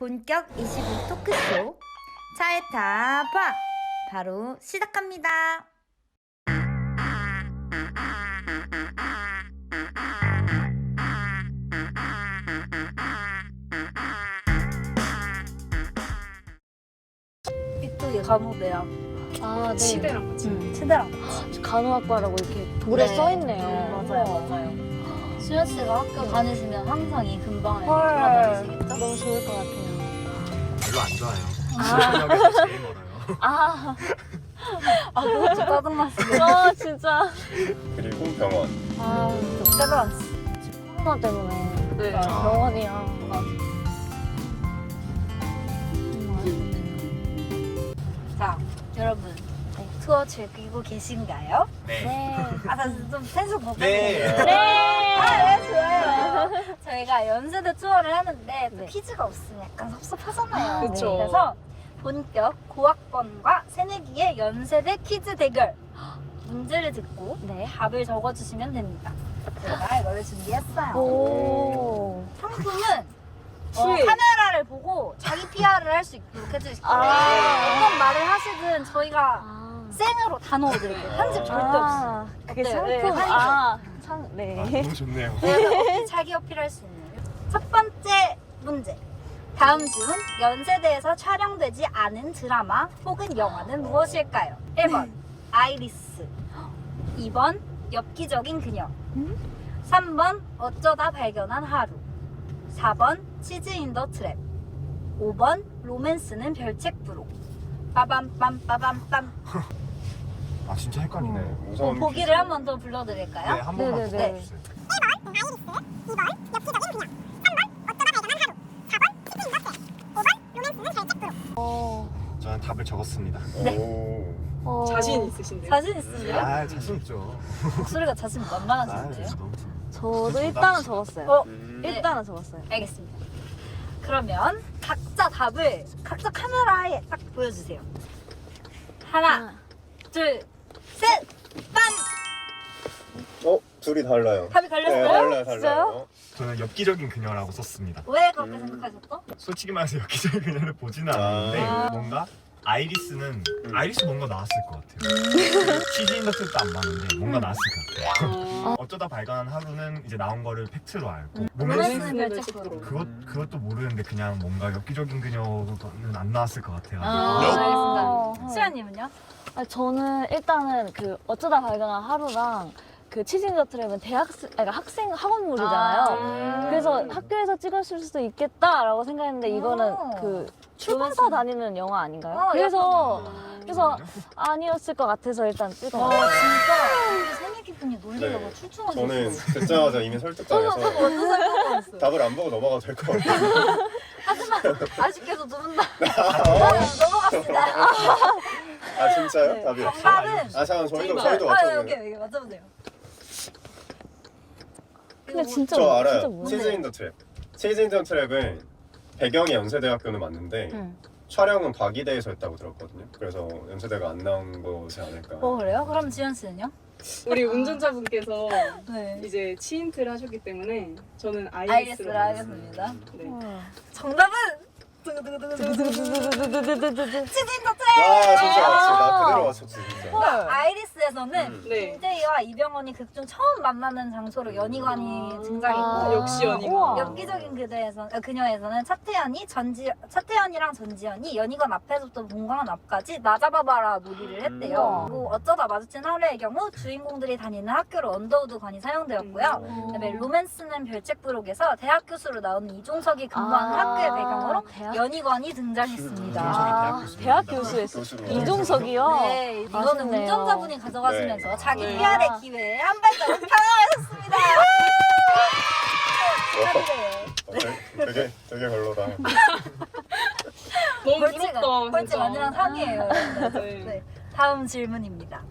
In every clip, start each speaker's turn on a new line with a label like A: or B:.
A: 본격 25 토크쇼 차에 타봐 바로 시작합니다.
B: 이쪽이 간호대학.
C: 아, 네.
D: 치대랑 같이.
B: 치대랑 같이.
C: 간호학과라고 이렇게 돌에
B: 네.
C: 써있네요.
B: 맞아요. 수현 씨가 학교 다니시면 항상 이 근방을
C: 헐.
B: 돌아다니시겠죠?
C: 너무 좋을 것 같아요.
E: 별로 안 좋아요. 수련역에서 제일 멀어요.
C: 아,
B: 그거 좀 짜증났어요.
C: 진짜.
F: 그리고 병원.
C: 아,
B: 세브란스.
C: 코로나 때문에
D: 네.
C: 병원이야.
B: 자, 여러분. 투어 즐기고 계신가요?
E: 네.
C: 네.
B: 좀 텐션 높아지네요.
E: 네.
B: 네, 좋아요. 저희가 연세대 투어를 하는데 또
C: 네.
B: 퀴즈가 없으면 약간 섭섭하잖아요.
D: 그쵸.
B: 그래서 본격 고학번과 새내기의 연세대 퀴즈 대결. 문제를 듣고
C: 네.
B: 답을 적어주시면 됩니다. 제가 이걸 준비했어요.
C: 오.
B: 상품은
D: 수익.
B: 카메라를 보고 자기 PR을 할 수 있도록 해주실 거예요. 어떤 말을 하시든 저희가 생으로 다 넣어드릴게요. 편집 절대 없어요.
C: 그게
B: 어때요?
C: 상품.
B: 네,
C: 네.
E: 너무 좋네요.
B: 그래서 자기 어필할 수 있는 첫 번째 문제. 다음 중 연세대에서 촬영되지 않은 드라마 혹은 영화는 무엇일까요? 1번 아이리스, 2번 엽기적인 그녀, 3번 어쩌다 발견한 하루, 4번 치즈 인 더 트랩, 5번 로맨스는 별책부로. 빠밤빰.
E: 아 진짜 헷갈리네.
F: 우선
B: 보기를 한 번 더 불러드릴까요?
E: 네, 한 번만 더
C: 네네네.
E: 보여주세요. 저는 답을 적었습니다.
D: 자신 있으신데요?
B: 자신 있으세요?
E: 아 자신 있죠.
B: 목소리가 자신
E: 아
B: 만만하신데요?
E: 너무
C: 저도 일단은 적었어요.
B: 어?
C: 일단은 적었어요.
B: 알겠습니다. 그러면 각자 답을 각자 카메라에 딱 보여주세요. 하나, 둘, 셋, 빰!
F: 둘이 달라요.
B: 답이
F: 네,
B: 갈렸어요?
F: 달라요.
E: 저는 엽기적인 그녀라고 썼습니다.
B: 왜 그렇게 생각하셨죠?
E: 솔직히 말해서 엽기적인 그녀를 보지는 않았는데 뭔가 아이리스는 아이리스 뭔가 나왔을 것 같아요. 치즈 인더 트랩도 안 봤는데 뭔가 나왔을 것 같아요. 어쩌다 발견한 하루는 이제 나온 거를 팩트로 알고
B: 로맨스는
E: 로맨스
B: 별책부로.
E: 그것도 모르는데 그냥 뭔가 엽기적인 그녀는 안 나왔을 것 같아요.
B: 알겠습니다. 수연님은요?
C: 아니, 저는 일단은 그 어쩌다 발견한 하루랑 그 치즈인더 트랩은 학생 학원물이잖아요. 그래서 학교에서 찍었을 수도 있겠다라고 생각했는데 이거는 그 출판사 다니는 영화 아닌가요? 그래서 아니었을 것 같아서 일단 찍어봤어요.
B: 진짜 우리 새내기 분이 놀리려고
F: 네.
B: 출중하셨어요.
F: 저는 듣자마자 이미 설득당해서
B: 완전 설득받았어요.
F: 답을 안 보고 넘어가도 될 것 같아요.
B: 하지만 아쉽게도 두 분 다 넘어갔습니다.
F: 아 진짜요?
B: 네.
F: 답이?
B: 정답은
F: 아 잠깐 저희도
B: 여기
F: 맞춰보세요.
B: 맞춰보세요.
C: 근데 진짜
F: 저
C: 진짜
F: 알아요.
C: 뭐예요?
F: 치즈 인 더 트랩. 치즈 인 더 트랩은 배경이 연세대학교는 맞는데
C: 응.
F: 촬영은 과기대에서 했다고 들었거든요. 그래서 연세대가 안 나온 거지 않을까.
B: 그래요? 그럼 지현 씨는요?
D: 우리 운전자분께서
B: 네.
D: 이제 치인트를 하셨기 때문에 저는
B: 아이리스를
D: 아이리스로
B: 하겠습니다.
D: 네.
B: 정답은 치즈인더
F: 와 진짜 맞지. 나 그대로 맞췄지 진짜.
B: 아이리스에서는
D: 네.
B: 김태희와 이병헌이 극중 처음 만나는 장소로 연희관이 등장했고
D: 역시 연희관.
B: 엽기적인 그녀에서는 차태현이랑 전지현이 연희관 앞에서부터 본관 앞까지 나 잡아봐라 놀이를 했대요. 그리고 어쩌다 마주친 하루의 경우 주인공들이 다니는 학교로 언더우드관이 사용되었고요. 그다음에 로맨스는 별책부록에서 대학 교수로 나오는 이종석이 근무하는 학교의 배경으로 연희관이 등장했습니다.
C: 대학 교수였어요.
F: 교수로.
C: 이종석이요?
B: 네, 이거는
C: 아쉽네요.
B: 운전자분이 가져가시면서
F: 네.
B: 자기
D: 네.
B: PR의 기회에 한 발자국 편하셨습니다. 축하드려요.
F: 되게 별로다.
D: 너무
B: 벌칙
D: 부럽다.
B: 벌칙
D: 진짜.
B: 완전 상이에요.
D: 네.
B: 네, 다음 질문입니다.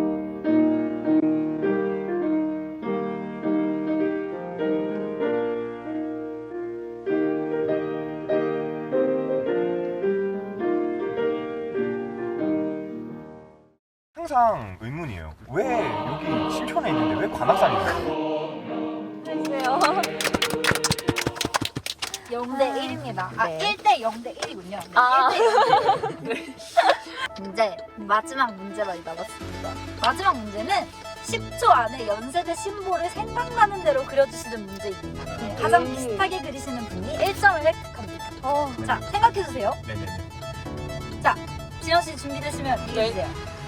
E: 항상 의문이에요. 왜 여기 신촌에 있는데 왜 관악산이 있어요?
C: 해주세요.
B: 0대 1입니다. 아,
C: 네.
B: 1대 0대 1이군요.
C: 아.
B: 1대 0대 1. 이제 마지막 문제 많이 남았습니다. 마지막 문제는 10초 안에 연세대 심볼을 생각나는 대로 그려주시는 문제입니다. 네, 가장 비슷하게 그리시는 분이 1점을 획득합니다. 자, 생각해주세요.
E: 네네네.
B: 지현 씨 준비되시면 얘기해주세요.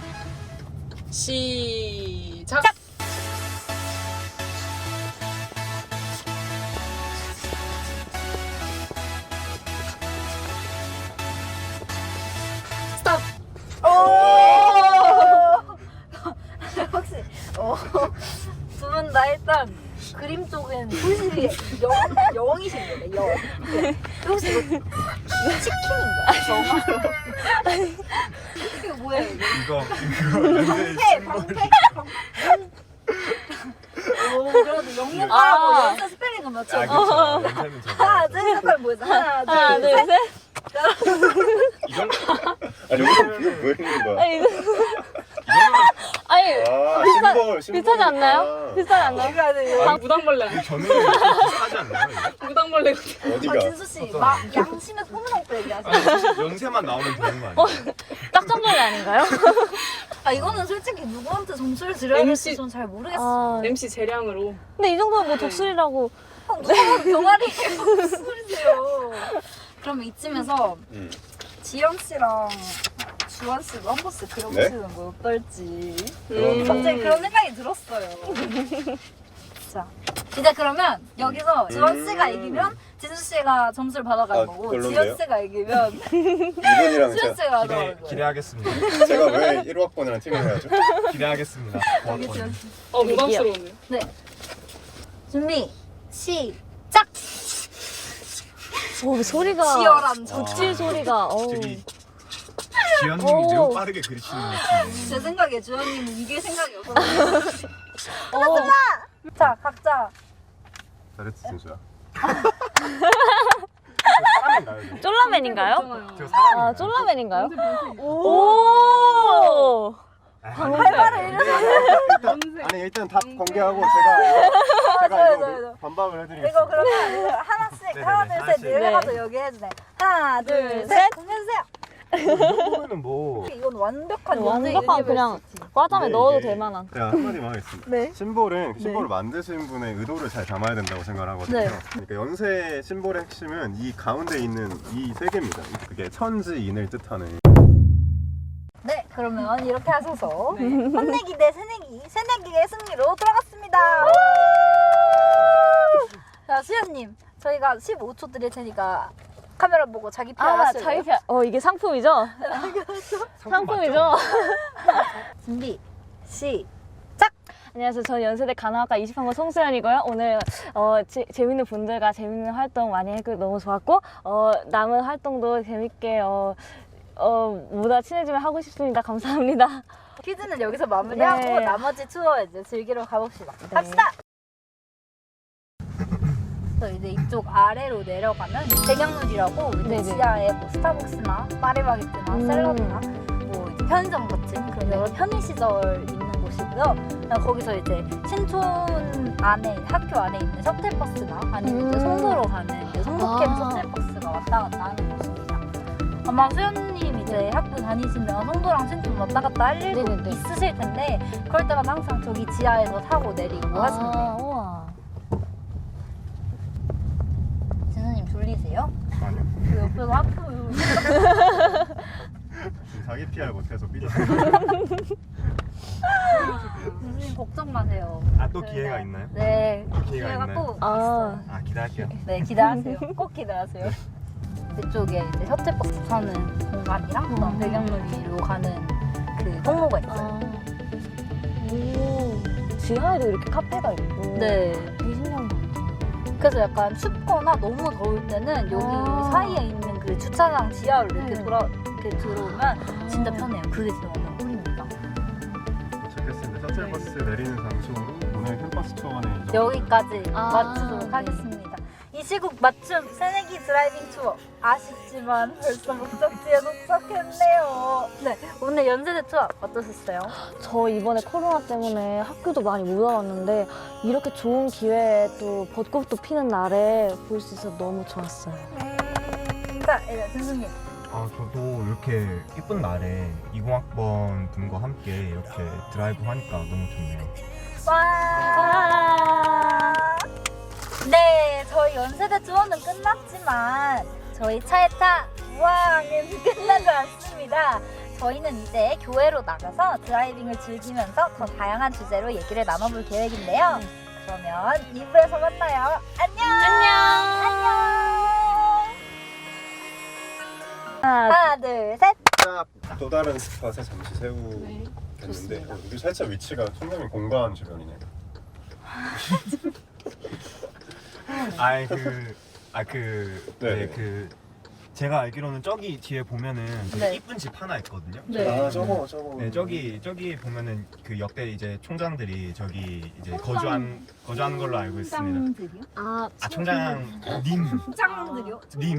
D: 시작. 스톱.
B: 혹시 두 분 다 일단 그림 쪽은 소실이 0이신 거네. 0. 네. 혹시 이거 치킨인가요? 이거 뭐예요? 이거?
E: 이거 연세
B: 방패? 오, 그래도 영문과라고 연세 스펠링은 맞죠?
E: 아 그렇죠. 연세는 저거.
B: 하나, 둘, 셋 하면 뭐였어?
C: 하나, 둘, 셋.
E: 이건
F: 아 여기서 뭐 있는 거야?
C: 아니, 이거. 아니,
F: 아 심볼
C: 비슷하지 않나요? 비슷하지 않나요?
B: 이거 아니에요.
D: 아, 무당벌레.
E: 저는 좀 비슷하지 않나요? 이거?
D: 무당벌레.
F: 어디가?
B: 진수 씨, 막 양심에 손을 얹고 얘기하세요.
E: 연세만 나오면 되는 거 아니에요?
C: 딱정벌레 아닌가요?
B: 아, 이거는 솔직히 누구한테 점수를 드려야 될지
D: MC.
B: 전 잘 모르겠어요.
C: 아,
D: MC 재량으로.
C: 근데 이 정도면 뭐 독수리라고.
B: 누가 병아리 무슨 소리세요? 그럼 이쯤에서 지영 씨랑 주원 씨도 한 번씩 그려보시는 거 어떨지 갑자기 그런 생각이 들었어요. 자, 이제 그러면 여기서 주원 씨가 이기면 진수 씨가 점수를 받아가는
F: 아,
B: 거고
F: 별론데요?
B: 지연 씨가 이기면
F: 이분이랑
B: 수연 씨가 받아가는 거예요.
E: 기대하겠습니다.
F: 제가 왜 1호학번이랑 팀을 해야죠?
E: 기대하겠습니다.
B: 여기 지연 씨.
D: 부담스러운데요.
B: 네. 준비 시작.
C: 오, 소리가.
B: 치열한
C: 덕질 소리가.
E: 저기 지연님이 매우 빠르게 그리시는 느낌.
B: 제 생각에 주연님은 이길 생각이 없어요. 자, 각자
F: 잘했지 진수야.
E: 사람인가요?
C: 쫄라맨인가요?
E: 저 사람인가요?
C: 아, 쫄라맨인가요?
D: 오.
C: 오!
B: 발발을
F: 일단 아니 일단 답 공개하고 제가
B: 맞아요,
F: 이거
B: 맞아요.
F: 반박을 해드리겠습니다.
B: 이거 그러면 이거 하나씩
E: 네네네,
B: 하나 둘 셋
E: 하나씩.
B: 내려가서 여기 해주세요. 하나
C: 둘,
B: 둘
C: 셋.
B: 셋 공개해주세요.
E: 이 정도면은 뭐
B: 이건 완벽한
C: 완벽한 그냥 과잠에 넣어도
F: 이게
C: 될 만한.
F: 제가 한마디만 하겠습니다.
B: 네.
F: 심볼은 심볼을 만드신 분의 의도를 잘 담아야 된다고 생각을 하거든요.
B: 네.
F: 그러니까 연세 심볼의 핵심은 이 가운데 있는 이 세 개입니다. 그게 천지인을 뜻하는.
B: 네, 그러면 이렇게 하셔서 혼내기 대 새내기의 승리로 돌아갔습니다. 자, 수연님, 저희가 15초 드릴 테니까 카메라 보고 자기 PR
C: 아,
B: 하실래요?
C: 자기 편. 이게 상품이죠? 상품이죠?
B: 준비 시.
C: 안녕하세요. 저는 연세대 간호학과 20학번 송수연이고요. 오늘 재밌는 분들과 재밌는 활동 많이 했고 너무 좋았고 남은 활동도 재밌게 보다 친해지면 하고 싶습니다. 감사합니다.
B: 퀴즈는 여기서 마무리하고
C: 네.
B: 나머지 투어 이제 즐기러 가봅시다. 갑시다. 그래서 이제 이쪽 아래로 내려가면 배경룰이라고 이제
C: 네네.
B: 지하에 뭐 스타벅스나 파리바게뜨나 샐러드나 뭐 이제 편의점 같은 그런 여러 편의 시절 있는 곳이고요. 그냥 거기서 이제 신촌 안에 학교 안에 있는 셔틀버스나 아니면 이제 송도로 가는 이제 송도캠
C: 아.
B: 셔틀버스가 왔다 갔다 하는 곳입니다. 아마 수연님 이제 학교 다니시면 송도랑 신촌 왔다 갔다 할 일도
C: 네네네.
B: 있으실 텐데 그럴 때마다 항상 저기 지하에서 타고 내리고 하시면 돼요.
C: 우와.
B: 진수님 졸리세요?
F: 아니요.
B: 그 옆에서 학교
F: 자기 PR 못해서 삐져.
B: 진수님 걱정 마세요.
E: 아 또 기회가 있나요?
B: 네,
E: 기회가 있나요?
B: 꼭
C: 아.
B: 있어요.
E: 아 기대할게요.
B: 네, 기대하세요. 꼭 기대하세요. 이쪽에 이제 셔틀버스 타는 공간이랑 그다음 배경놀이로 가는 그 통로가 있어요.
C: 오. 지하에도 이렇게 카페가 있고.
B: 네.
C: 되게 신기한 것 같아요.
B: 그래서 약간 춥거나 너무 더울 때는 여기
C: 아.
B: 사이에 있는 그 주차장 지하로 이렇게
C: 네.
B: 이렇게 들어오면 진짜 편해요. 그게 진짜 완전 꿀입니다.
F: 도착했습니다. 셔틀버스 내리는 장소로 오늘 캠퍼스 투어는 이 정도.
B: 여기까지
C: 아,
B: 마치도록
C: 네.
B: 하겠습니다. 이 시국 맞춤 새내기 드라이빙 투어. 아쉽지만 벌써 목적지에 도착했네요. 네, 오늘 연세대 투어 어떠셨어요?
C: 저 이번에 코로나 때문에 학교도 많이 못 와봤는데 이렇게 좋은 기회에 또 벚꽃도 피는 날에 볼 수 있어서 너무 좋았어요.
B: 자, 이제 준수님.
E: 저도 이렇게 예쁜 날에 20학번 분과 함께 이렇게 드라이브 하니까 너무 좋네요.
B: 와. 네, 저희 연세대 투어는 끝났지만 저희 차에 타 우왕은 끝나지 않습니다. 저희는 이제 교회로 나가서 드라이빙을 즐기면서 더 다양한 주제로 얘기를 나눠볼 계획인데요. 그러면 2부에서 만나요. 안녕. 하나, 둘, 셋.
F: 또 다른 스팟에 잠시 세우겠는데 우리 살짝 위치가 총장님 공간 주변이네요.
E: 네, 제가 알기로는 저기 뒤에 보면은 되게
B: 네.
E: 이쁜 집 하나 있거든요.
F: 아 저거.
E: 네, 저기 보면은 그 역대 이제 총장들이 저기 이제 거주한 걸로 알고 있습니다.
C: 아,
E: 총장님,
B: 짱들이요?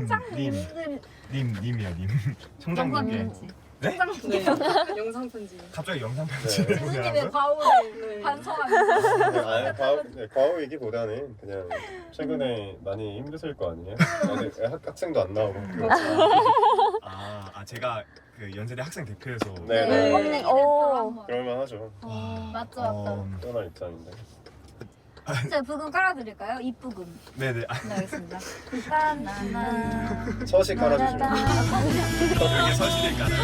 E: 님이요, 님. 총장님께. 네?
D: 네. 영상 편지.
E: 갑자기 영상 편지를 보내라고요?
B: 과오를
D: 네.
B: 반성하면서.
F: 과거 얘기보다는 그냥 최근에 많이 힘드실 거 아니에요? 학생도 안 나오고.
E: 제가 그 연세대 학생 대표에서
F: 네.
C: 오.
F: 그럴만하죠.
B: 맞죠.
F: 떠날 입장인데.
B: 제가 부금 깔아드릴까요? 입부금.
E: 네네.
B: 네, 알겠습니다. 나나나.
F: 서식 깔아주시면.
E: 여기 서실일까요?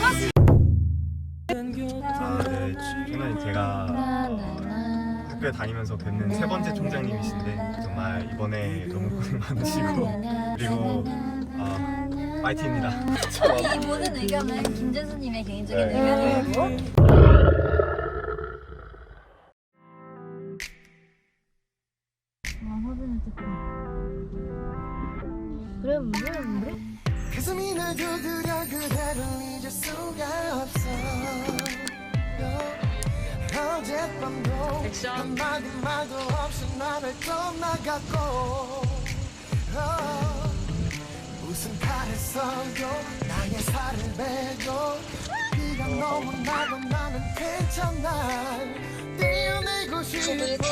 E: 네, 총장님 제가 학교에 다니면서 뵙는 세 번째 총장님이신데 정말 이번에 너무 고생 많으시고 그리고 파이팅입니다.
B: 이 모든 의견은 김재수님의 개인적인
F: 네.
B: 의견이고.
G: 가슴이 날 두드려 그대를 잊을 수가 없어 어젯밤도
D: 액션.
G: 한마디 말도 없이 나를 떠나갔고 무슨 탈을 써도 나의 살을 베고 비가 너무 나도 나는 괜찮아 뛰어내고 싶어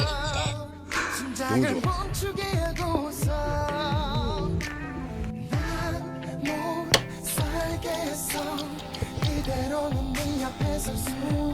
G: 심장을 멈추게 하고서 못 살겠어 이대로는 네 앞에 설 수